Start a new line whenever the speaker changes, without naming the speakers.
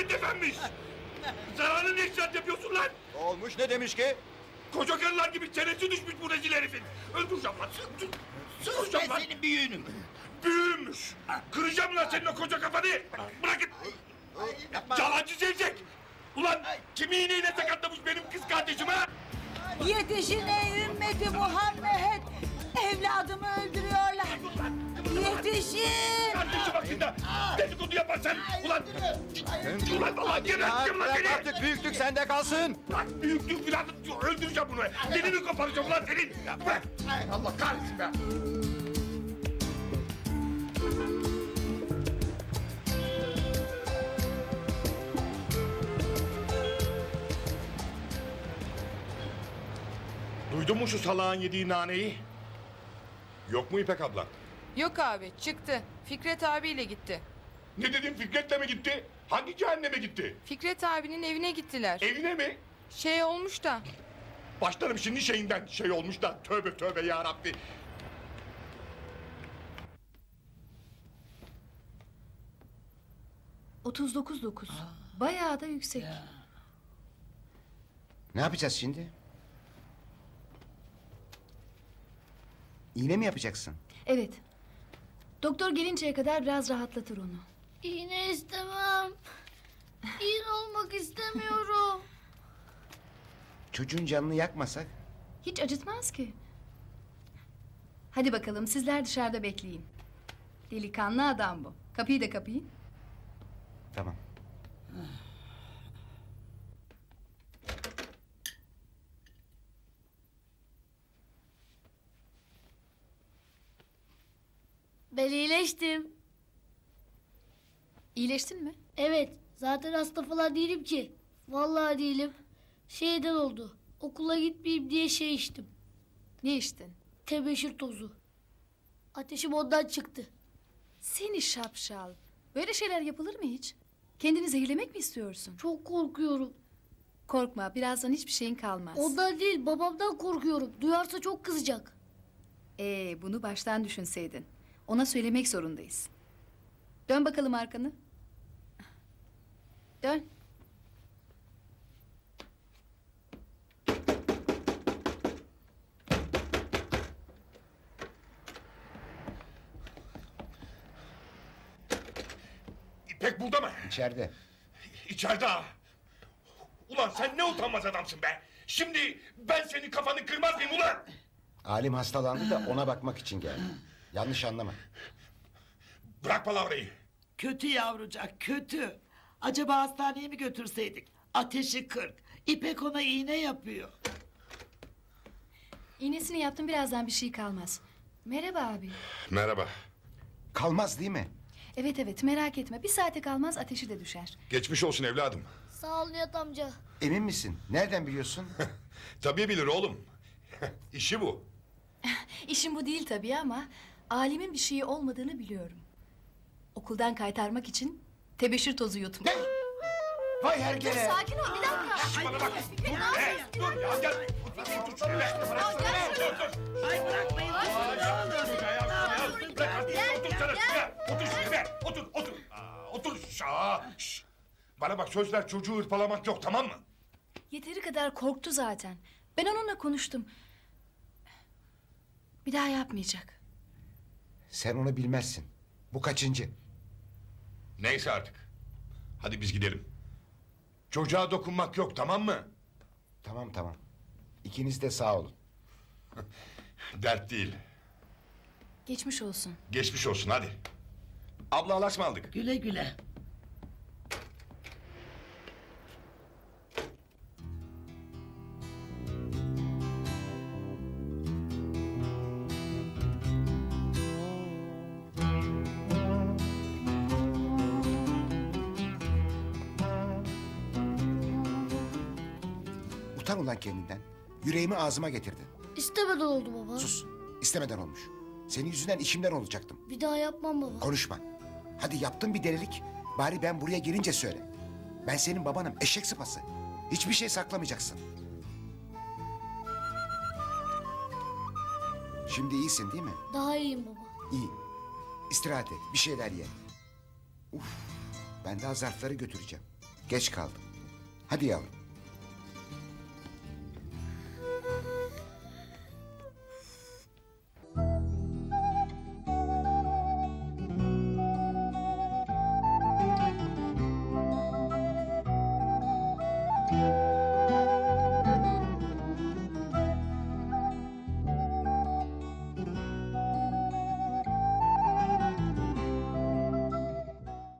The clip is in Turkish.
Hikmet Efendi'miş. Zararlı ne işler yapıyorsun lan?
Olmuş ne demiş ki?
Koca karılar gibi çenesi düşmüş bu rezil herifin. Öldüreceğim lan. Sıvıracağım lan.
senin büyüğünüm.
Büyüğümmüş. Kıracağım lan senin o koca kafanı. Bırakın. Yalancı Zevzek. Ulan kimi iğneyle sakatlamış benim kız kardeşim ha?
Yetişin ey ümmeti Muhammed! Evladımı öldürüyorlar! Yetişin!
Kardeşim hakkında dedikodu yaparsan ulan... Ulan vallahi geberteceğim lan
Bırak
seni!
artık büyüklük sende kalsın.
Lan büyüklük filan öldüreceğim bunu. Dilini koparacağım ulan senin. Bırak. Allah kahretsin be. Duydun mu şu salağın yediği naneyi? Yok mu İpek abla?
Yok abi çıktı. Fikret abiyle gitti.
Ne dedim, Fikret'le mi gitti? Hangi cehenneme gitti?
Fikret abinin evine gittiler.
Evine mi?
Şey olmuş da.
Başlarım şimdi şeyinden, şey olmuş da. Tövbe tövbe ya Rabbi.
...39,9. Bayağı da yüksek.
Ne yapacağız şimdi? İğne mi yapacaksın?
Evet. Doktor gelinceye kadar biraz rahatlatır onu.
İğne istemem. İğne olmak istemiyorum.
Çocuğun canını yakmasak?
Hiç acıtmaz ki. Hadi bakalım sizler dışarıda bekleyin. Delikanlı adam bu. Kapıyı da kapayın.
Tamam.
Ben iyileştim.
İyileştin mi?
Evet, zaten hasta falan değilim ki. Vallahi değilim. Şeyden oldu. Okula gitmeyeyim diye şey içtim.
Ne içtin?
Tebeşir tozu. Ateşim ondan çıktı.
Seni şapşal. Böyle şeyler yapılır mı hiç? Kendini zehirlemek mi istiyorsun?
Çok korkuyorum.
Korkma, birazdan hiçbir şeyin kalmaz.
Ondan değil, babamdan korkuyorum. Duyarsa çok kızacak.
Bunu baştan düşünseydin. Ona söylemek zorundayız. Dön bakalım arkanı. Dön.
İpek burada mı?
İçeride.
İçeride ha. Ulan sen ne utanmaz adamsın be. Şimdi ben senin kafanı kırmaz mıyım ulan?
Alim hastalandı da ona bakmak için geldi. Yanlış anlama.
Bırak palavrayı.
Kötü yavrucak kötü. Acaba hastaneye mi götürseydik? Ateşi 40. İpek ona iğne yapıyor.
İğnesini yaptım, birazdan bir şey kalmaz. Merhaba abi.
Merhaba.
Kalmaz değil mi?
Evet evet, merak etme. Bir saate kalmaz, ateşi de düşer.
Geçmiş olsun evladım.
Sağ ol Nihat amca.
Emin misin? Nereden biliyorsun?
Tabii bilir oğlum. İşi bu.
İşim bu değil tabii ama... ...Alimin bir şeyi olmadığını biliyorum. Okuldan kaytarmak için tebeşir tozu yutmuş.
Vay hergele!
Sakin ol, bir dakika.
Bana bak. Dur be. Dur ya gel. Tut şunu be. Dur.
Ay bırakmayın.
Otur sana şuraya. Otur şuraya. Otur, otur. Otur. Şş. Bana bak söz ver çocuğu hırpalamak yok tamam mı?
Yeteri kadar korktu zaten. Ben onunla konuştum. Bir daha yapmayacak.
Sen onu bilmezsin. Bu kaçıncı?
Neyse artık. Hadi biz gidelim. Çocuğa dokunmak yok tamam mı?
Tamam tamam. İkiniz de sağ olun.
Dert değil.
Geçmiş olsun.
Geçmiş olsun hadi. Abla alas mı aldık?
Güle güle.
Utan ulan kendinden. Yüreğimi ağzıma getirdin.
İstemeden oldu baba.
Sus. İstemeden olmuş. Senin yüzünden işimden olacaktım.
Bir daha yapmam baba.
Konuşma. Hadi yaptın bir delilik. Bari ben buraya gelince söyle. Ben senin babanım, eşek sıpası. Hiçbir şey saklamayacaksın. Şimdi iyisin değil mi?
Daha iyiyim baba.
İyi. İstirahat et, bir şeyler ye. Uf, ben daha zarfları götüreceğim. Geç kaldım. Hadi yavrum.